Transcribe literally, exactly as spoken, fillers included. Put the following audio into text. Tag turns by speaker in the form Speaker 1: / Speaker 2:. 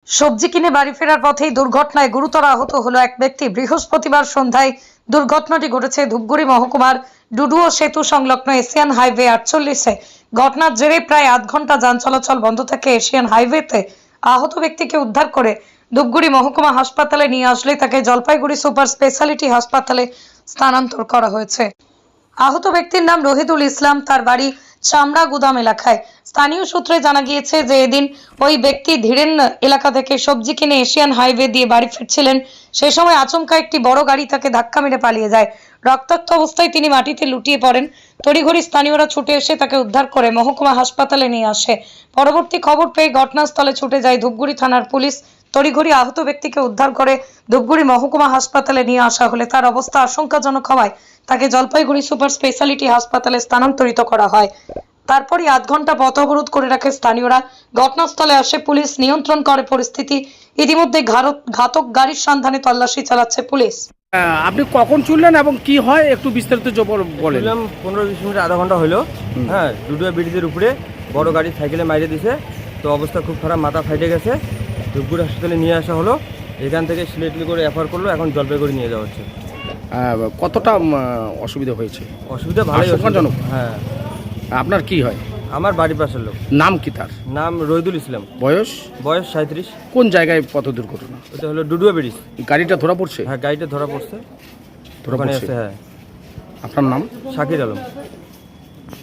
Speaker 1: সবজি কিনে বাড়ি ফেরার পথেই দুর্ঘটনায় গুরুতর আহত হলো এক ব্যক্তি। বৃহস্পতিবার সন্ধ্যায় দুর্ঘটনাটি ঘটেছে ধূপগুড়ি মহকুমার ডুডুও সেতু সংলগ্ন এশিয়ান হাইওয়ে আটচল্লিশে। ঘটনার জেরে প্রায় আধ ঘন্টা যান চলাচল বন্ধ থাকে এশিয়ান হাইওয়েতে। আহত ব্যক্তিকে উদ্ধার করে ধূপগুড়ি মহকুমা হাসপাতালে নিয়ে আসলে তাকে জলপাইগুড়ি সুপার স্পেশালিটি হাসপাতালে স্থানান্তর করা হয়েছে। আহত ব্যক্তির নাম রহিদুল ইসলাম, তার বাড়ি চামড়া গুদাম এলাকায়। স্থানীয় সূত্রে জানা গিয়েছে যে এদিন ওই ব্যক্তি ধীরেন এলাকা থেকে সবজি কিনে এশিয়ান হাইওয়ে দিয়ে বাড়ি ফিরছিলেন। সেই সময় আচমকা একটি বড় গাড়ি তাকে ধাক্কা মেরে পালিয়ে যায়। রক্তাক্ত অবস্থায় তিনি মাটিতে লুটিয়ে পড়েন। তড়িঘড়ি স্থানীয়রা ছুটে এসে তাকে উদ্ধার করে মহকুমা হাসপাতালে নিয়ে আসে। পরবর্তী খবর পেয়ে ঘটনাস্থলে ছুটে যায় ধূপগুড়ি থানার পুলিশ। তড়িঘড়ি আহত ব্যক্তিকে উদ্ধার করে ধূপগুড়ি মহকুমা হাসপাতালে নিয়ে আসা হলে তার অবস্থা আশঙ্কাজনক হওয়ায় তাকে জলপাইগুড়ি সুপার স্পেশালিটি হাসপাতালে স্থানান্তরিত করা হয়। তারপরই আধ ঘন্টা পথ অবরোধ করে রাখে স্থানীয়রা। ঘটনাস্থলে আসে পুলিশ, নিয়ন্ত্রণ করে পরিস্থিতি। ইতিমধ্যে ঘাতক গাড়ির সন্ধানে তল্লাশি চালাচ্ছে পুলিশ।
Speaker 2: আপনি কখন চললেন এবং কি হয় একটু বিস্তারিত বলেন।
Speaker 3: পনেরো বিশ মিনিট আধা ঘন্টা হলো। হ্যাঁ, ডুডুয়া ব্রিজের উপরে বড় গাড়ি সাইকেলে মাইরে দিছে। তো অবস্থা খুব খারাপ, মাথা ফাইটে গেছে। ধূপগুড়ি হাসপাতালে নিয়ে আসা হলো। এখান থেকে সিলেটলি করে রেফার করলো, এখন জলপাইগুড়ি নিয়ে যাওয়া হচ্ছে।
Speaker 2: কতটা অসুবিধা হয়েছে?
Speaker 3: অসুবিধা ভালোই,
Speaker 2: আশঙ্কাজনক।
Speaker 3: হ্যাঁ।
Speaker 2: আপনার কি হয়?
Speaker 3: আমার বাড়ির পাশের লোক।
Speaker 2: নাম কি তার?
Speaker 3: নাম রহিদুল ইসলাম।
Speaker 2: বয়স?
Speaker 3: বয়স সাঁত্রিশ।
Speaker 2: কোন জায়গায় পথ দুর্ঘটনা?
Speaker 3: ওটা হলো ডুডুয়া ব্রিজ।
Speaker 2: গাড়িটা ধরা পড়ছে?
Speaker 3: হ্যাঁ, গাড়িটা ধরা পড়ছে।
Speaker 2: ধরা পড়ছে,
Speaker 3: হ্যাঁ।
Speaker 2: আপনার নাম?
Speaker 3: শাকির আলম।